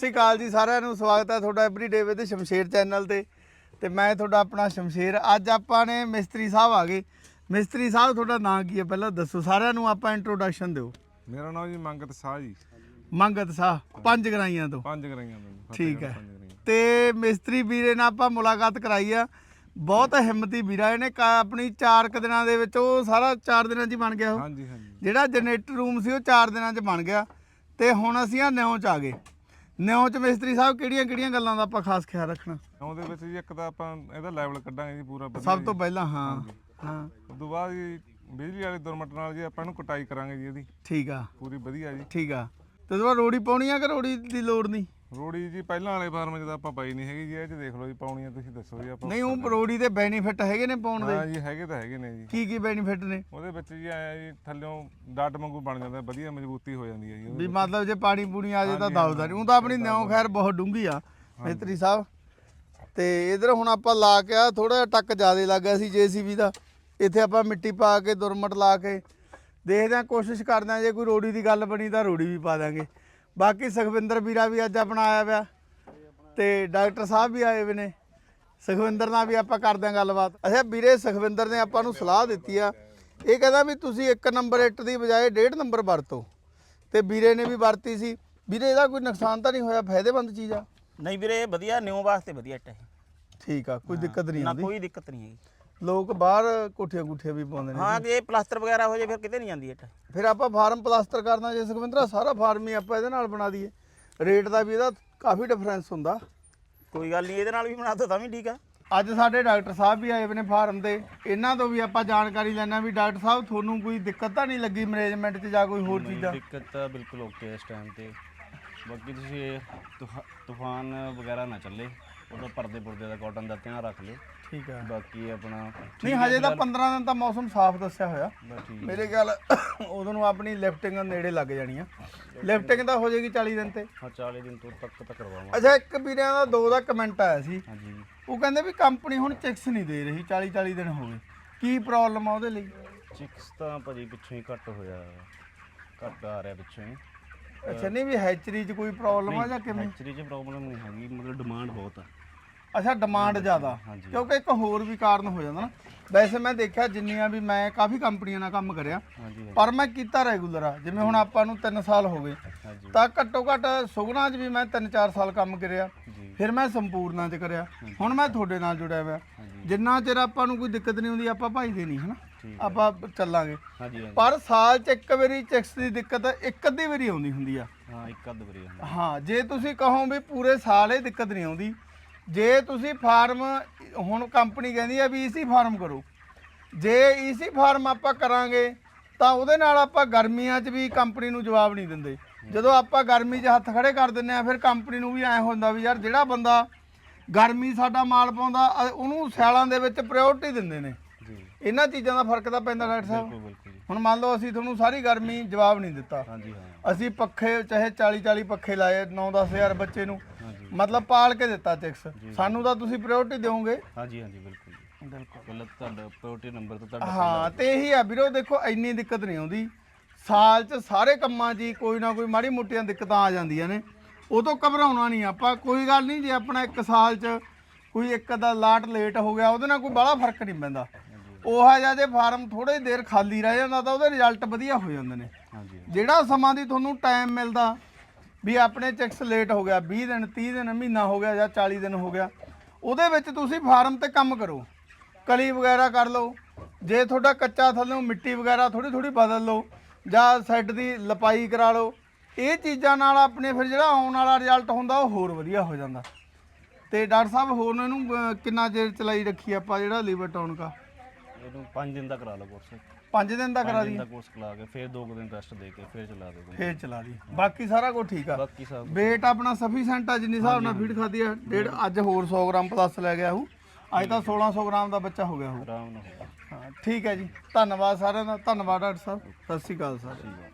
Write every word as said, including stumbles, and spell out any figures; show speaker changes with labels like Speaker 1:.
Speaker 1: श्री अकाल जी सारिਆਂ ਨੂੰ ਸਵਾਗਤ ਹੈ ਤੁਹਾਡਾ ਐਵਰੀਡੇ ਵਿਦ ਸ਼ਮਸ਼ੇਰ ਚੈਨਲ ਤੇ ਤੇ ਮੈਂ ਤੁਹਾਡਾ ਆਪਣਾ ਸ਼ਮਸ਼ੇਰ। ਅੱਜ ਆਪਾਂ ਨੇ ਮਿਸਤਰੀ ਸਾਹਿਬ ਆ ਗਏ। ਮਿਸਤਰੀ ਸਾਹਿਬ ਤੁਹਾਡਾ ਨਾਮ ਕੀ ਹੈ ਪਹਿਲਾਂ ਦੱਸੋ, ਸਾਰਿਆਂ ਨੂੰ ਆਪਾਂ ਇੰਟਰੋਡਕਸ਼ਨ ਦਿਓ।
Speaker 2: ਮੇਰਾ ਨਾਮ ਜੀ ਮੰਗਤ ਸਾਹ ਜੀ।
Speaker 1: ਮੰਗਤ ਸਾਹ ਪੰਜ ਗਰਾਈਆਂ ਤੋਂ।
Speaker 2: ਪੰਜ ਗਰਾਈਆਂ ਤੋਂ
Speaker 1: ਠੀਕ ਹੈ। ਤੇ ਮਿਸਤਰੀ ਵੀਰੇ ਨਾਲ ਆਪਾਂ ਮੁਲਾਕਾਤ ਕਰਾਈ ਆ, ਬਹੁਤ ਹਿੰਮਤੀ ਵੀਰਾ। ਇਹਨੇ ਆਪਣੀ ਚਾਰ ਕੁ ਦਿਨਾਂ ਦੇ ਵਿੱਚ ਉਹ ਸਾਰਾ ਚਾਰ ਦਿਨਾਂ 'ਚ ਹੀ ਬਣ ਗਿਆ। ਉਹ
Speaker 2: ਹਾਂਜੀ ਹਾਂਜੀ
Speaker 1: ਜਿਹੜਾ ਜਨਰੇਟਰ ਰੂਮ ਸੀ ਉਹ ਚਾਰ ਦਿਨਾਂ 'ਚ ਬਣ ਗਿਆ। ਤੇ ਹੁਣ ਅਸੀਂ ਆ ਨਿਉਂ 'ਚ ਆ ਗਏ। ਨਿਉਂ 'ਚ ਮਿਸਤਰੀ ਸਾਹਿਬ ਕਿਹੜੀਆਂ ਕਿਹੜੀਆਂ ਗੱਲਾਂ ਦਾ ਆਪਾਂ ਖਾਸ ਖਿਆਲ ਰੱਖਣਾ?
Speaker 2: ਉਹਦੇ ਵਿੱਚ ਜੀ ਇੱਕ ਤਾਂ ਆਪਾਂ ਇਹਦਾ ਲੈਵਲ ਕੱਢਾਂਗੇ ਜੀ ਪੂਰਾ ਵਧੀਆ।
Speaker 1: ਸਭ ਤੋਂ ਪਹਿਲਾਂ ਹਾਂ ਹਾਂ
Speaker 2: ਉਸ ਤੋਂ ਬਾਅਦ ਜੀ ਬਿਜਲੀ ਵਾਲੇ ਦੁਰਮਟ ਨਾਲ ਜੀ ਆਪਾਂ ਇਹਨੂੰ ਕਟਾਈ ਕਰਾਂਗੇ ਜੀ ਇਹਦੀ।
Speaker 1: ਠੀਕ ਆ,
Speaker 2: ਪੂਰੀ ਵਧੀਆ ਜੀ।
Speaker 1: ਠੀਕ ਆ। ਤੇ ਉਹਦਾ ਰੋੜੀ ਪਾਉਣੀ ਆ ਕਿ ਰੋੜੀ ਦੀ ਲੋੜ ਨਹੀਂ?
Speaker 2: ਰੋੜੀ ਜੀ ਪਹਿਲਾਂ ਵਾਲੇ ਫਾਰਮ 'ਚ ਤਾਂ ਆਪਾਂ ਪਾਈ ਨਹੀਂ ਹੈਗੀ ਜੀ। ਇਹ 'ਚ ਦੇਖ ਲਓ ਜੀ ਪਾਉਣੀ ਆ, ਤੁਸੀਂ ਦੱਸੋ ਜੀ। ਆਪਾਂ
Speaker 1: ਨਹੀਂ, ਉਹ ਰੋੜੀ ਦੇ ਬੈਨੀਫਿਟ ਹੈਗੇ ਨੇ ਪਾਉਣ ਦੇ?
Speaker 2: ਹਾਂ ਜੀ ਹੈਗੇ ਤਾਂ ਹੈਗੇ ਨੇ ਜੀ।
Speaker 1: ਕੀ ਕੀ ਬੈਨੀਫਿਟ ਨੇ
Speaker 2: ਉਹਦੇ ਵਿੱਚ ਜੀ ਆਇਆ ਜੀ ਥੱਲਿਓਂ ਡੱਟ ਵਾਂਗੂ ਬਣ ਜਾਂਦਾ, ਵਧੀਆ ਮਜ਼ਬੂਤੀ ਹੋ ਜਾਂਦੀ ਹੈ ਜੀ।
Speaker 1: ਵੀ ਮਤਲਬ ਜੇ ਪਾਣੀ ਪੂਣੀ ਆ ਜੇ ਤਾਂ ਦਬਦਾ ਨਹੀਂ। ਉਹ ਤਾਂ ਆਪਣੀ ਨਿਉਂ ਖੈਰ ਬਹੁਤ ਡੂੰਘੀ ਆ ਮਿਸਤਰੀ ਸਾਹਿਬ। ਤੇ ਇਧਰ ਹੁਣ ਆਪਾਂ ਲਾ ਕੇ ਆ ਥੋੜਾ ਜਿਹਾ ਟੱਕ ਜ਼ਿਆਦਾ ਲੱਗ ਗਿਆ ਸੀ ਜੇਸੀਬੀ ਦਾ। ਇੱਥੇ ਆਪਾਂ ਮਿੱਟੀ ਪਾ ਕੇ ਦੁਰਮਟ ਲਾ ਕੇ ਦੇਖਦੇ ਹਾਂ, ਕੋਸ਼ਿਸ਼ ਕਰਦੇ ਹਾਂ ਜੇ ਕੋਈ ਰੋੜੀ ਦੀ ਗੱਲ ਬਣੀ ਤਾਂ ਰੋੜੀ ਵੀ ਪਾ ਦਾਂਗੇ। ਬਾਕੀ ਸੁਖਵਿੰਦਰ ਵੀਰਾ ਵੀ ਅੱਜ ਆਪਣਾ ਆਇਆ ਪਿਆ ਤੇ ਡਾਕਟਰ ਸਾਹਿਬ ਵੀ ਆਏ ਵੇ ਨੇ। ਸੁਖਵਿੰਦਰ ਨਾਲ ਵੀ ਆਪਾਂ ਕਰਦੇ ਹਾਂ ਗੱਲਬਾਤ। ਅੱਛਾ ਵੀਰੇ, ਸੁਖਵਿੰਦਰ ਨੇ ਆਪਾਂ ਨੂੰ ਸਲਾਹ ਦਿੱਤੀ ਆ, ਇਹ ਕਹਿੰਦਾ ਵੀ ਤੁਸੀਂ ਇੱਕ ਨੰਬਰ ਇੱਟ ਦੀ ਬਜਾਏ ਡੇਢ ਨੰਬਰ ਵਰਤੋ। ਤੇ ਵੀਰੇ ਨੇ ਵੀ ਵਰਤੀ ਸੀ। ਵੀਰੇ ਇਹਦਾ ਕੋਈ ਨੁਕਸਾਨ ਤਾਂ ਨਹੀਂ ਹੋਇਆ? ਫਾਇਦੇਮੰਦ ਚੀਜ਼ ਆ?
Speaker 3: ਨਹੀਂ ਵੀਰੇ, ਵਧੀਆ ਨਿਉ ਵਾਸਤੇ ਵਧੀਆ ਇੱਟ ਹੈ।
Speaker 1: ਠੀਕ ਆ, ਕੋਈ ਦਿੱਕਤ ਨਹੀਂ
Speaker 3: ਨਾ
Speaker 1: ਆਉਂਦੀ?
Speaker 3: ਕੋਈ ਦਿੱਕਤ ਨਹੀਂ ਹੈਗੀ।
Speaker 1: ਲੋਕ ਬਾਹਰ ਕੋਠੀਆਂ ਕੁੱਠੀਆਂ ਵੀ ਪਾਉਂਦੇ ਨੇ।
Speaker 3: ਹਾਂ, ਜੇ ਪਲਾਸਟਰ ਵਗੈਰਾ ਹੋ ਜੇ ਫਿਰ ਕਿਤੇ ਨਹੀਂ ਜਾਂਦੀ ਇੱਟ।
Speaker 1: ਫਿਰ ਆਪਾਂ ਫਾਰਮ ਪਲਾਸਟਰ ਕਰਨਾ ਜੇ ਸੁਖਵਿੰਦਰਾ, ਸਾਰਾ ਫਾਰਮ ਹੀ ਆਪਾਂ ਇਹਦੇ ਨਾਲ ਬਣਾ ਦਈਏ। ਰੇਟ ਦਾ ਵੀ ਇਹਦਾ ਕਾਫੀ ਡਿਫਰੈਂਸ ਹੁੰਦਾ।
Speaker 3: ਕੋਈ ਗੱਲ ਨਹੀਂ, ਇਹਦੇ ਨਾਲ ਵੀ ਬਣਾ ਦੋ ਤਾਂ ਵੀ ਠੀਕ ਆ।
Speaker 1: ਅੱਜ ਸਾਡੇ ਡਾਕਟਰ ਸਾਹਿਬ ਵੀ ਆਏ ਨੇ ਫਾਰਮ ਦੇ, ਇਹਨਾਂ ਤੋਂ ਵੀ ਆਪਾਂ ਜਾਣਕਾਰੀ ਲੈਣਾ ਵੀ ਡਾਕਟਰ ਸਾਹਿਬ ਤੁਹਾਨੂੰ ਕੋਈ ਦਿੱਕਤ ਤਾਂ ਨਹੀਂ ਲੱਗੀ ਮੈਨੇਜਮੈਂਟ 'ਚ ਜਾਂ ਕੋਈ ਹੋਰ ਚੀਜ਼ਾਂ?
Speaker 4: ਦਿੱਕਤ ਤਾਂ ਬਿਲਕੁਲ ਓਕੇ ਇਸ ਟਾਈਮ ਤੇ। ਬਾਕੀ ਤੁਸੀਂ ਤੁਫਾ- ਤੂਫਾਨ ਵਗੈਰਾ ਨਾ ਚੱਲੇ, ਉਹਦਾ ਪਰਦੇ ਪੁਰਦੇ ਦਾ ਕਾਟਨ ਦਾ ਧਿਆਨ ਰੱਖ ਲਿਓ।
Speaker 1: ਠੀਕ ਆ।
Speaker 4: ਬਾਕੀ ਆਪਣਾ
Speaker 1: ਨਹੀਂ, ਹਜੇ ਤਾਂ ਪੰਦਰਾਂ ਦਿਨ ਤਾਂ ਮੌਸਮ ਸਾਫ਼ ਦੱਸਿਆ ਹੋਇਆ
Speaker 4: ਬਸ ਠੀਕ ਹੈ।
Speaker 1: ਮੇਰੇ ਖਿਆਲ। ਉਦੋਂ ਨੂੰ ਆਪਣੀ ਲਿਫਟਿੰਗ ਨੇੜੇ ਲੱਗ ਜਾਣੀ ਆ। ਲਿਫਟਿੰਗ ਤਾਂ ਹੋ ਜਾਏਗੀ ਚਾਲੀ ਦਿਨ ਤੇ।
Speaker 4: ਹਾਂ ਚਾਲੀ ਦਿਨ ਤੋਂ ਤੱਕ ਤਾਂ ਕਰਵਾਵਾਂਗੇ।
Speaker 1: ਅੱਛਾ, ਇੱਕ ਵੀਰਿਆਂ ਦਾ ਦੋ ਦਾ ਕਮੈਂਟ ਆਇਆ ਸੀ।
Speaker 4: ਹਾਂਜੀ,
Speaker 1: ਉਹ ਕਹਿੰਦੇ ਵੀ ਕੰਪਨੀ ਹੁਣ ਚੈਕਸ ਨਹੀਂ ਦੇ ਰਹੀ, ਚਾਲੀ ਚਾਲੀ ਦਿਨ ਹੋ ਗਏ। ਕੀ ਪ੍ਰੋਬਲਮ ਆ ਉਹਦੇ ਲਈ?
Speaker 4: ਚਿਕਸ ਤਾਂ ਭਾਜੀ ਪਿੱਛੋਂ ਹੀ ਘੱਟ ਹੋਇਆ, ਘੱਟ ਆ ਰਿਹਾ ਪਿੱਛੋਂ ਹੀ।
Speaker 1: ਅੱਛਾ, ਨਹੀਂ ਵੀ ਹੈਚਰੀ 'ਚ ਕੋਈ ਪ੍ਰੋਬਲਮ ਆ ਜਾਂ ਕਿਵੇਂ?
Speaker 4: ਐਕਚੁਅਲੀ 'ਚ ਪ੍ਰੋਬਲਮ ਨਹੀਂ ਹੈਗੀ, ਮਤਲਬ ਡਿਮਾਂਡ ਬਹੁਤ ਆ।
Speaker 1: ਅੱਛਾ, ਡਿਮਾਂਡ ਜ਼ਿਆਦਾ।
Speaker 4: ਹਾਂਜੀ।
Speaker 1: ਕਿਉਂਕਿ ਇੱਕ ਹੋਰ ਵੀ ਕਾਰਨ ਹੋ ਜਾਂਦਾ ਨਾ। ਵੈਸੇ ਮੈਂ ਦੇਖਿਆ ਜਿੰਨੀਆਂ ਵੀ ਮੈਂ ਕਾਫੀ ਕੰਪਨੀਆਂ ਨਾਲ ਕੰਮ ਕਰਿਆ,
Speaker 4: ਹਾਂਜੀ
Speaker 1: ਪਰ ਮੈਂ ਕੀਤਾ ਰੈਗੂਲਰ ਆ। ਜਿਵੇਂ ਹੁਣ ਆਪਾਂ ਨੂੰ ਤਿੰਨ ਸਾਲ ਹੋ ਗਏ,
Speaker 4: ਹਾਂਜੀ
Speaker 1: ਤਾਂ ਘੱਟੋ ਘੱਟ ਸੁਗਨਾ 'ਚ ਵੀ ਮੈਂ ਤਿੰਨ ਚਾਰ ਸਾਲ ਕੰਮ ਕਰਿਆ।
Speaker 4: ਜੀ।
Speaker 1: ਫਿਰ ਮੈਂ ਸੰਪੂਰਨਾ 'ਚ ਕਰਿਆ, ਹੁਣ ਮੈਂ ਤੁਹਾਡੇ ਨਾਲ ਜੁੜਿਆ ਹੋਇਆ।
Speaker 4: ਹਾਂਜੀ
Speaker 1: ਜਿੰਨਾ ਚਿਰ ਆਪਾਂ ਨੂੰ ਕੋਈ ਦਿੱਕਤ ਨਹੀਂ ਹੁੰਦੀ ਆਪਾਂ ਭਾਈਦੇ ਨਹੀਂ ਹਨਾ,
Speaker 4: ਠੀਕ
Speaker 1: ਆਪਾਂ ਚੱਲਾਂਗੇ।
Speaker 4: ਹਾਂਜੀ ਹਾਂਜੀ।
Speaker 1: ਪਰ ਸਾਲ 'ਚ ਇੱਕ ਵਾਰੀ ਚੈਕਸ ਦੀ ਦਿੱਕਤ ਇੱਕ ਅੱਧੀ ਵਾਰੀ ਆਉਂਦੀ ਹੁੰਦੀ ਆ।
Speaker 4: ਹਾਂ ਇੱਕ ਅੱਧ ਵਾਰੀ ਹੁੰਦਾ।
Speaker 1: ਹਾਂ, ਜੇ ਤੁਸੀਂ ਕਹੋ ਵੀ ਪੂਰੇ ਸਾਲ ਇਹ ਦਿੱਕਤ ਨਹੀਂ ਆਉਂਦੀ, ਜੇ ਤੁਸੀਂ ਫਾਰਮ ਹੁਣ ਕੰਪਨੀ ਕਹਿੰਦੀ ਆ ਵੀ ਈਸੀ ਫਾਰਮ ਕਰੋ, ਜੇ ਈਸੀ ਫਾਰਮ ਆਪਾਂ ਕਰਾਂਗੇ ਤਾਂ ਉਹਦੇ ਨਾਲ ਆਪਾਂ ਗਰਮੀਆਂ 'ਚ ਵੀ ਕੰਪਨੀ ਨੂੰ ਜਵਾਬ ਨਹੀਂ ਦਿੰਦੇ। ਜਦੋਂ ਆਪਾਂ ਗਰਮੀ 'ਚ ਹੱਥ ਖੜੇ ਕਰ ਦਿੰਦੇ ਆ, ਫਿਰ ਕੰਪਨੀ ਨੂੰ ਵੀ ਐਂ ਹੁੰਦਾ ਵੀ ਯਾਰ ਜਿਹੜਾ ਬੰਦਾ ਗਰਮੀ ਸਾਡਾ ਮਾਲ ਪਾਉਂਦਾ ਉਹਨੂੰ ਸਿਆਲਾਂ ਦੇ ਵਿੱਚ ਪ੍ਰਾਇੋਰਟੀ ਦਿੰਦੇ ਨੇ।
Speaker 4: ਜੀ
Speaker 1: ਇਹਨਾਂ ਚੀਜ਼ਾਂ ਦਾ ਫਰਕ ਤਾਂ ਪੈਂਦਾ ਡਾਕਟਰ ਸਾਹਿਬ।
Speaker 4: ਬਿਲਕੁਲ ਬਿਲਕੁਲ ਜੀ।
Speaker 1: ਹੁਣ ਮੰਨ ਲਓ ਅਸੀਂ ਤੁਹਾਨੂੰ ਸਾਰੀ ਗਰਮੀ ਜਵਾਬ ਨਹੀਂ ਦਿੱਤਾ,
Speaker 4: ਹਾਂਜੀ ਹਾਂ।
Speaker 1: ਅਸੀਂ ਪੱਖੇ ਚਾਹੇ ਚਾਲੀ ਚਾਲੀ ਪੱਖੇ ਲਾਏ, ਨੌ ਦਸ ਹਜ਼ਾਰ ਬੱਚੇ ਨੂੰ
Speaker 4: ਹਾਂਜੀ
Speaker 1: ਮਤਲਬ ਪਾਲ ਕੇ ਦਿੱਤਾ ਚੈਕਸ, ਸਾਨੂੰ ਤਾਂ ਤੁਸੀਂ ਪ੍ਰਾਇੋਰਟੀ ਦਿਓਗੇ।
Speaker 4: ਹਾਂਜੀ ਹਾਂਜੀ ਬਿਲਕੁਲ ਜੀ।
Speaker 1: ਬਿਲਕੁਲ।
Speaker 4: ਪਹਿਲਾਂ ਤੁਹਾਡਾ ਪ੍ਰਾਇੋਰਟੀ ਨੰਬਰ ਤੋਂ ਤੁਹਾਡਾ
Speaker 1: ਹਾਂ, ਤੇ ਇਹੀ ਆ ਵੀਰੋ, ਦੇਖੋ ਇੰਨੀ ਦਿੱਕਤ ਨਹੀਂ ਆਉਂਦੀ ਸਾਲ 'ਚ। ਸਾਰੇ ਕੰਮਾਂ 'ਚ ਹੀ ਕੋਈ ਨਾ ਕੋਈ ਮਾੜੀ ਮੋਟੀਆਂ ਦਿੱਕਤਾਂ ਆ ਜਾਂਦੀਆਂ ਨੇ, ਉਹ ਤੋਂ ਘਬਰਾਉਣਾ ਨਹੀਂ ਆਪਾਂ। ਕੋਈ ਗੱਲ ਨਹੀਂ, ਜੇ ਆਪਣਾ ਇੱਕ ਸਾਲ 'ਚ ਕੋਈ ਇੱਕ ਦਾ ਲਾਟ ਲੇਟ ਹੋ ਗਿਆ, ਉਹਦੇ ਨਾਲ ਕੋਈ ਬੜਾ ਫਰਕ ਨਹੀਂ ਪੈਂਦਾ। ਉਹ ਜਿਹਾ ਜੇ ਫਾਰਮ ਥੋੜੇ ਦੇਰ ਖਾਲੀ ਰਹਿ ਜਾਂਦਾ ਤਾਂ ਉਹਦੇ ਰਿਜ਼ਲਟ ਵਧੀਆ ਹੋ ਜਾਂਦੇ ਨੇ।
Speaker 4: ਹਾਂਜੀ
Speaker 1: ਜਿਹੜਾ ਸਮਾਂ ਦੀ ਤੁਹਾਨੂੰ ਟਾਈਮ ਮਿਲਦਾ ਵੀ ਆਪਣੇ ਚੈਕਸ ਲੇਟ ਹੋ ਗਿਆ, ਵੀਹ ਦਿਨ ਤੀਹ ਦਿਨ ਮਹੀਨਾ ਹੋ ਗਿਆ ਜਾਂ ਚਾਲੀ ਦਿਨ ਹੋ ਗਿਆ, ਉਹਦੇ ਵਿੱਚ ਤੁਸੀਂ ਫਾਰਮ ਤੇ ਕੰਮ ਕਰੋ, ਕਲੀ ਵਗੈਰਾ ਕਰ ਲਓ। ਜੇ ਤੁਹਾਡਾ ਕੱਚਾ ਥੱਲੋਂ ਮਿੱਟੀ ਵਗੈਰਾ ਥੋੜੀ ਥੋੜੀ ਬਦਲ ਲਓ ਜਾਂ ਸੈੱਡ ਦੀ ਲਪਾਈ ਕਰਾ ਲਓ। ਇਹ ਚੀਜ਼ਾਂ ਨਾਲ ਆਪਣੇ ਫਿਰ ਜਿਹੜਾ ਆਉਣ ਵਾਲਾ ਰਿਜ਼ਲਟ ਹੁੰਦਾ ਉਹ ਹੋਰ ਵਧੀਆ ਹੋ ਜਾਂਦਾ। ਤੇ ਡਾਕਟਰ ਸਾਹਿਬ ਹੋਰ ਇਹਨੂੰ ਅਹ, ਕਿੰਨਾ ਚਿਰ ਚਲਾਈ ਰੱਖੀ ਆਪਾਂ ਜਿਹੜਾ ਲੀਵਰ ਟਾਊਨ ਕਾ?
Speaker 4: ਇਹਨੂੰ ਪੰਜ ਦਿਨ ਦਾ ਕਰਾ ਲਓ ਕੋਰਸ।
Speaker 1: ਪੰਜ ਦਿਨ ਦਾ ਕਰਾ
Speaker 4: ਪੰਜ ਦਿਨ
Speaker 1: ਦੀ,
Speaker 4: ਦਾ ਕੋਰਸ ਕਰਾ ਕੇ ਫਿਰ ਦੋ ਕੁ ਦਿਨ ਰੈਸਟ ਦੇ ਕੇ ਫਿਰ ਚਲਾ ਦੇ ਦੂੰਗਾ।
Speaker 1: ਫੇਰ ਚਲਾ ਦੀ। ਬਾਕੀ ਸਾਰਾ ਕੁਝ ਠੀਕ ਆ।
Speaker 4: ਬਾਕੀ ਸਭ
Speaker 1: ਵੇਟ ਆਪਣਾ ਸਫੀਸ਼ੈਂਟ ਆ, ਜਿੰਨੀ ਹਿਸਾਬ ਨਾਲ ਫੀਡ ਖਾਦੀ ਆ। ਡੇਢ ਅੱਜ ਹੋਰ ਸੌ ਗ੍ਰਾਮ ਪਲੱਸ ਲੈ ਗਿਆ ਉਹ, ਅੱਜ ਤਾਂ ਸੋਲਾਂ ਸੌ ਗ੍ਰਾਮ ਦਾ ਬੱਚਾ ਹੋ ਗਿਆ ਉਹ।
Speaker 4: ਆਰਾਮ ਨਾਲ ਹੋਊਗਾ।
Speaker 1: ਹਾਂ ਠੀਕ ਹੈ ਜੀ, ਧੰਨਵਾਦ ਸਾਰਿਆਂ ਦਾ। ਧੰਨਵਾਦ ਡਾਕਟਰ ਸਾਹਿਬ, ਸਤਿ ਸ਼੍ਰੀ ਅਕਾਲ ਸਰ।